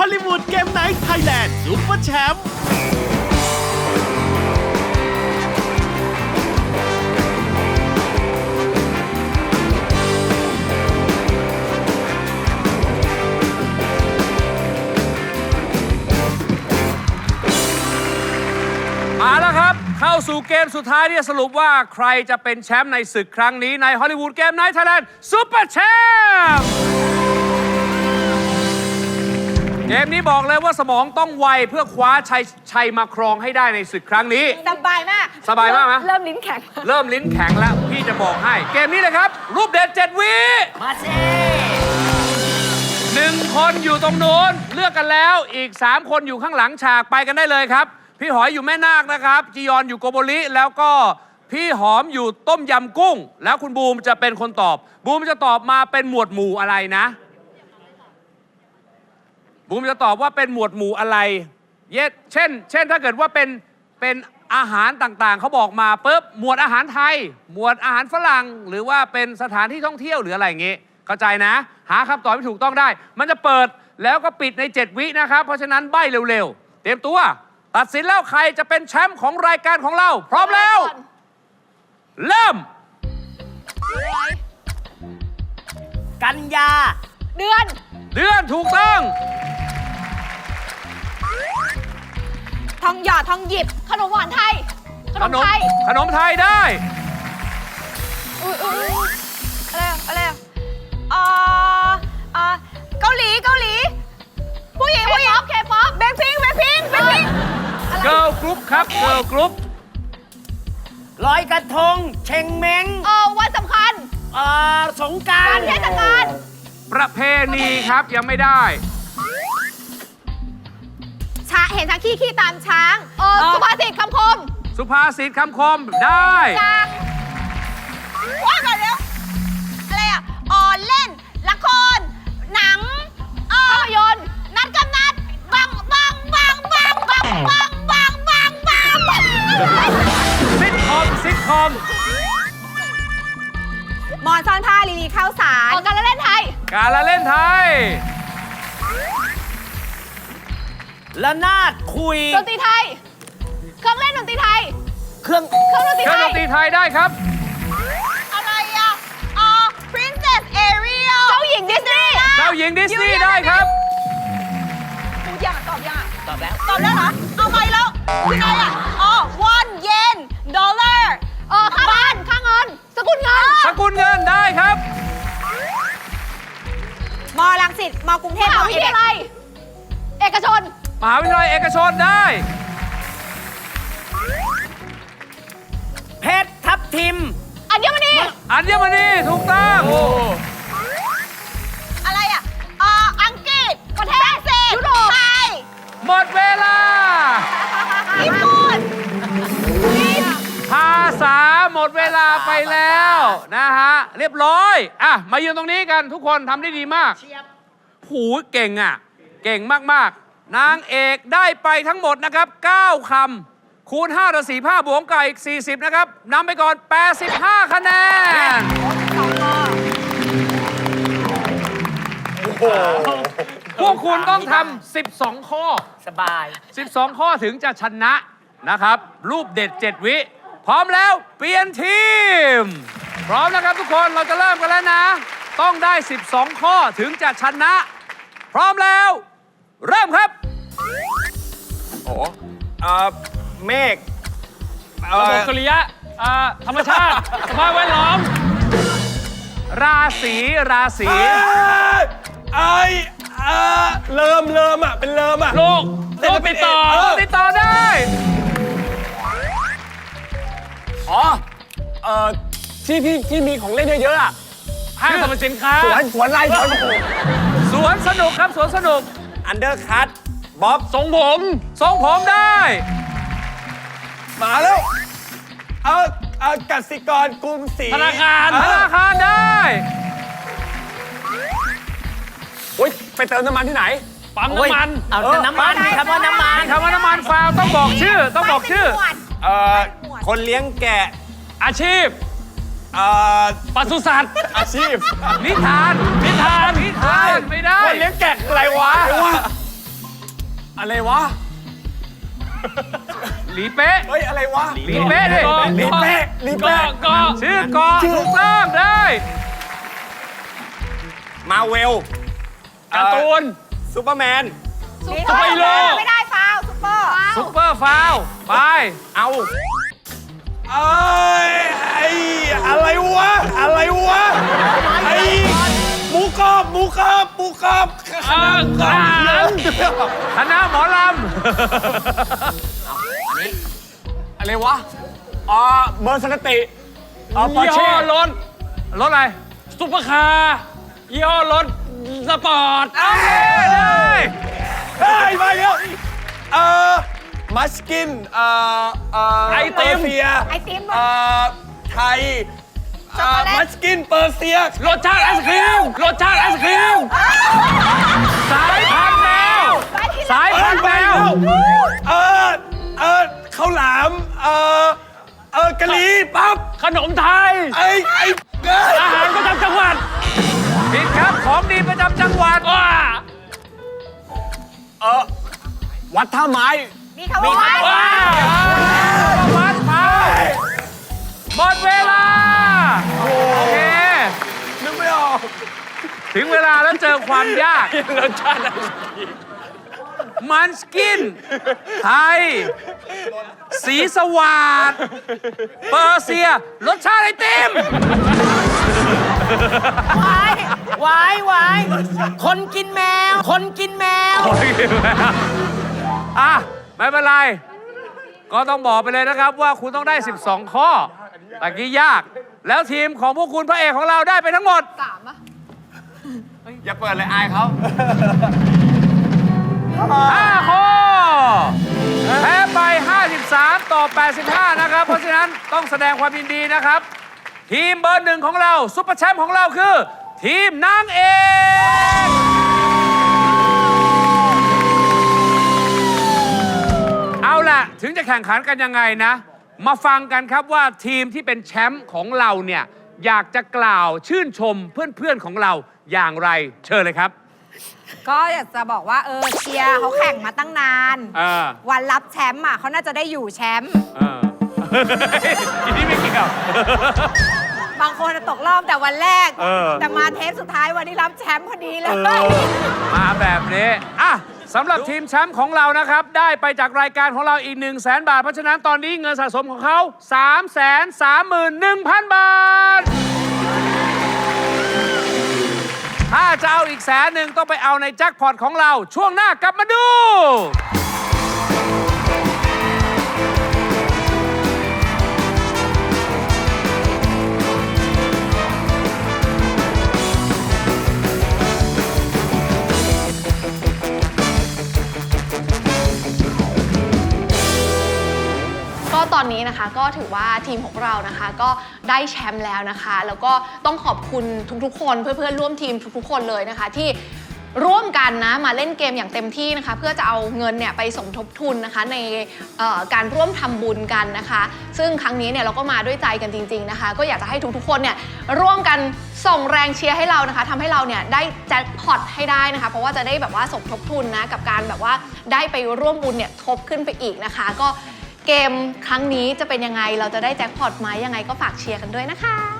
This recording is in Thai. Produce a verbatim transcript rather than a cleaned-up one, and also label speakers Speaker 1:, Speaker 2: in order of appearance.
Speaker 1: อลลีวูดเกมไนท์ไทยแลนด์ซุปเปอร์แชมป์
Speaker 2: มาแล้วครับเข้าสู่เกมสุดท้ายที่จะสรุปว่าใครจะเป็นแชมป์ในศึกครั้งนี้ในฮอลลีวูดเกมไนท์ไทยแลนด์ซุปเปอร์แชมป์เกมนี้บอกเลยว่าสมองต้องไวเพื่อคว้าชัยชัยมาครองให้ได้ในศึกครั้งนี้
Speaker 3: สบายมาก
Speaker 2: สบายมากไหม
Speaker 3: เริ่มลิ้นแข็ง
Speaker 2: เริ่มลิ้นแข็งแล้วพี่จะบอกให้เกมนี้เลยครับรูปเด็ดเจ็ดวิมาเซ่หนึ่งคนอยู่ตรงโน้นเลือกกันแล้วอีกสามคนอยู่ข้างหลังฉากไปกันได้เลยครับพี่หอยอยู่แม่นาคนะครับจียอนอยู่โกโบริแล้วก็พี่หอมอยู่ต้มยำกุ้งแล้วคุณบูมจะเป็นคนตอบบูมจะตอบมาเป็นหมวดหมู่อะไรนะบูมจะตอบว่าเป็นหมวดหมู่อะไรเยเช่น เช่นถ้าเกิดว่าเป็นเป็นอาหารต่างๆเขาบอกมาปุ๊บหมวดอาหารไทยหมวดอาหารฝรั่งหรือว่าเป็นสถานที่ท่องเที่ยวหรืออะไรอย่างงี้เข้าใจนะหาคำตอบที่ถูกต้องได้มันจะเปิดแล้วก็ปิดในเจ็ดวินะครับเพราะฉะนั้นใบ้เร็วๆเตรียมตัวตัดสินแล้วใครจะเป็นแชมป์ของรายการของเราพร้อมแล้วเริ่ม
Speaker 3: กันยาเดือน
Speaker 2: เดือนถูกต้อง
Speaker 3: ทองหยอดทองหยิบขนมหวานไทยขนมไทย
Speaker 2: ขนมไทยได้
Speaker 3: อุ้ยอุ้ยอะไรอะไรอ่าอ่าเกาหลีเกาหลีผู้หญิงผู้หญิงเคป๊อปแบล็คพิงค์แบล็คพิงค์แบล็คพิงค์
Speaker 2: เกิร์ลกรุ๊ปครับเกิร์ลกรุ๊ป
Speaker 4: ลอยกระทงเชงเม้ง
Speaker 3: เออวันสำคัญ
Speaker 4: เอ่อสงกรานต์
Speaker 3: เทศกาล
Speaker 2: ประเพณีครับยังไม่ได้
Speaker 3: ช้าเห็นช้างขี้ขี้ตามช้างเออสุภาษิตคำคม
Speaker 2: สุภาษิตคำคมได้
Speaker 3: ว่าก่อนเร็วอะไรอ่ะอ๋อเล่นละครหนังภาพยนตร์นัดกับนัดบังบังบังบังบังบังบังบังบังบัง
Speaker 2: ซิทคอมซิทคอม
Speaker 3: หมอนซ่อนผ้าลีลีข้าวสารการละเล่นไทย
Speaker 2: การละเล่นไทย
Speaker 4: ละนาดคุย
Speaker 3: ดนตรีไทยเครื่องเล่นดนตรีไทย
Speaker 4: เครื่อง
Speaker 3: เครื่องดนตรีไทย
Speaker 2: เครื่องดนตรีไทยได้ครับ
Speaker 3: อะไรอ่ะอ๋อ Princess Ariel เจ้าหญิงดิสนีย์
Speaker 2: เจ้าหญิงดิสนีย์ได้ครับ
Speaker 3: พูดยังตอบยัง
Speaker 4: ตอบแล้ว
Speaker 3: ตอบแล้วเหรอเอาไปแล้วคือไงอ่ะอ๋อ one yen dollar เออค่าบ้านค่าเงินสกุลเงิน
Speaker 2: สกุลเงินได้ครับ
Speaker 3: มอรังสิตมอกรุงเทพมหาวิทยาลัยเอกชน
Speaker 2: มหาวิทยาลัยเอกชนได้
Speaker 4: เพชรทับทิม
Speaker 3: อัญมณี
Speaker 2: อัญมณีถูกต้อง
Speaker 3: อะไรอ่ะอ่าอังกฤษประเทศยุโรปไทย
Speaker 2: หมดเวลา
Speaker 3: ญี่ปุ่น
Speaker 2: ภาษาหมดเวลาไปแล้วนะฮะเรียบร้อยอ่ะมายืนตรงนี้กันทุกคนทำได้ดีมากหูเก่งอ่ะเก่งมากๆนางเอกได้ไปทั้งหมดนะครับเก้าคำคูณห้าต่อสี่ผ้าบวกไก่อีกสี่สิบนะครับนำไปก่อนแปดสิบห้าคะแนนพวกคุณต้องทำสิบสองข้อ
Speaker 4: สบาย
Speaker 2: สิบสองข้อถึงจะชนะนะครับรูปเด็ดเจ็ดวิพร้อมแล้วเปลี่ยนทีมพร้อมนะครับทุกคนเราจะเริ่มกันแล้วนะต้องได้สิบสองข้อถึงจะชนะพร้อมแล้วเริ่มครับ
Speaker 5: โอ้เอ่อเมฆ
Speaker 2: ระบบสุริยะธรรมชาติสภาพแวดล้อมราศีราศี
Speaker 5: ไอ้เอ่อเริ่มเริ่มอ่ะเป็นเริ่มอ่ะ
Speaker 2: โลกโลกติดต่อติดต่อได้
Speaker 5: อ๋อเอ่อที่ที่ที่มีของเล่นเยอะๆอ่ะ
Speaker 2: ห้างสรรพสินค้า
Speaker 5: สวนสวนไรสวน
Speaker 2: สวนสนุกครับสวนสนุก
Speaker 5: อันเดอร์คัทบ๊อบ
Speaker 2: ทรงผมทรงผมได้
Speaker 5: มาแล้วเอาเอากสิกรกรุงศรี
Speaker 2: ธนาคารธนาคารได้
Speaker 5: โอ้ยไปเติมน้ำมันที่ไหน
Speaker 2: ปั๊มน้ำมัน
Speaker 4: เอาน้ำมันมีคำว่าน้ำมัน
Speaker 2: มีคำว่าน้ำมันฟาวต้องบอกชื่อต้องบอกชื่อ
Speaker 5: เอ่อคนเลี้ยงแกะ
Speaker 2: อาชีพ
Speaker 5: เอ่อ
Speaker 2: ปศุสัตว์
Speaker 5: อาชีพ
Speaker 2: นิทานนิทานนิทานไม่ได้
Speaker 5: คนเลี้ยงแกะอะไรวะอะไรวะ
Speaker 2: หลีเป๊ะ
Speaker 5: เฮ้ย อะไรวะ
Speaker 2: หลีเป๊ะดิ
Speaker 5: ลีเป้ลีเป้
Speaker 2: ชื่อเกาะถูกต้องได้
Speaker 5: มาเวล
Speaker 2: การ์ตูน
Speaker 5: ซูเปอร์แมน
Speaker 3: ซุปเปอร์ไม่ได้ฟาวซุปเปอร์
Speaker 2: ซุปเปอร์ฟาวล์ไป
Speaker 5: เอาเอ้ยไอ้อะไรวะ อะไรวะ ไอ้หมูกรอบหมูกรอบหมูกรอบขนมกรอบ
Speaker 2: คณะหมอล
Speaker 5: อะไรวะอ๋อเบอร์สกติอ๋อ
Speaker 2: ำ
Speaker 5: ปอร์เช่
Speaker 2: รถรถอะไร ซุปเปอร์คาร์ยี่ห้อรถสปอร์ตโอเคได้
Speaker 5: ได้ไปแล้วเอ่อมัสกินเอ่อเอ่อ
Speaker 2: ไอติม
Speaker 5: เปอร์เซีย
Speaker 3: ไอติม
Speaker 5: เอ่อไทย
Speaker 3: ช็อกโกแลต
Speaker 5: มัสกินเปอร์เซีย
Speaker 2: รสชาติไอศครีมรสชาติไอศครีมสายพันธุ์แมวสายพันธุ์แมว
Speaker 5: เออเออข้าวหลามเออเออกะหรี่ปั๊บ
Speaker 2: ขนมไทย
Speaker 5: ไอ้ไอ้เอ้ย
Speaker 2: อาหารประจำจังหวัดผิดครับของดีประจำจังหวัดว้า
Speaker 5: เออวัดท่าไม้
Speaker 3: มีคำว่า
Speaker 2: ว้าววัดเผาหมดเวลาโอเค
Speaker 5: นึกไม่ออก
Speaker 2: ถึงเวลาแล้วเจอความยาก
Speaker 5: รสชาติอะไร
Speaker 2: มันสกิน ไทย สีสวาดเปอร์เซีย รสชาติไอติม
Speaker 4: วายวายวายคนกินแมว คนกินแมว
Speaker 2: อ่ะ ไม่เป็นไร ก็ต้องบอกไปเลยนะครับว่าคุณต้องได้ สิบสอง ข้อตะกี้ยาก แล้วทีมของพวกคุณพระเอกของเราได้ไปทั้งหมด
Speaker 3: สามอะ
Speaker 5: อย่าเปิดเลยอายเขา
Speaker 2: ห้า ข้อ แพ้ไป ห้าสิบสาม ต่อ แปดสิบห้า นะครับ เพราะฉะนั้นต้องแสดงความยินดีนะครับ ทีมเบอร์หนึ่งของเราซุปเปอร์แชมป์ของเราคือ ทีมนางเอกเอาล่ะ ถึงจะแข่งขันกันยังไงนะ มาฟังกันครับว่าทีมที่เป็นแชมป์ของเราเนี่ย อยากจะกล่าวชื่นชมเพื่อนๆของเราอย่างไร เชิญเลยครับ
Speaker 3: ก็อยากจะบอกว่าเออเชียร์เขาแข่งมาตั้งนาน
Speaker 2: เออ
Speaker 3: วันรับแชมป์อ่ะเขาน่าจะได้อยู่แชมป์
Speaker 2: เออ ทีนี้ไม่เกี่ยว
Speaker 3: บางคนอะตกรอบแต่วันแรก
Speaker 2: เออ
Speaker 3: แต่มาเทปสุดท้ายวันนี้รับแชมป์พอดีเลย
Speaker 2: มาแบบนี้ อ่ะสำหรับทีมแชมป์ของเรานะครับ ได้ไปจากรายการของเราอีก 1 0 0 0 0แสนบาท เพราะฉะนั้นตอนนี้เงินสะสมของเขา สาม สาม หนึ่ง พัน บาท ถ้าจะเอาอีกแสนหนึ่งต้องไปเอาในแจ็คพอตของเรา ช่วงหน้ากลับมาดู
Speaker 6: ก็ตอนนี้นะคะก็ถือว่าทีมของเรานะคะก็ได้แชมป์แล้วนะคะ แล้วก็ต้องขอบคุณทุกๆคนเพื่อนๆร่วมทีมทุกๆคนเลยนะคะ ที่ร่วมกันนะมาเล่นเกมอย่างเต็มที่นะคะ เพื่อจะเอาเงินเนี่ยไปสมทบทุนนะคะในเอ่อการร่วมทำบุญกันนะคะ ซึ่งครั้งนี้เนี่ยเราก็มาด้วยใจกันจริงๆนะคะ ก็อยากจะให้ทุกๆคนเนี่ยร่วมกันส่งแรงเชียร์ให้เรานะคะทำให้เราเนี่ยได้แจ็คพอตให้ได้นะคะ เพราะว่าจะได้แบบว่าสมทบทุนนะกับการแบบว่าได้ไปร่วมบุญเนี่ยทบขึ้นไปอีกนะคะก็เกมครั้งนี้จะเป็นยังไง เราจะได้แจ็คพอตไหมยังไงก็ฝากเชียร์กันด้วยนะคะ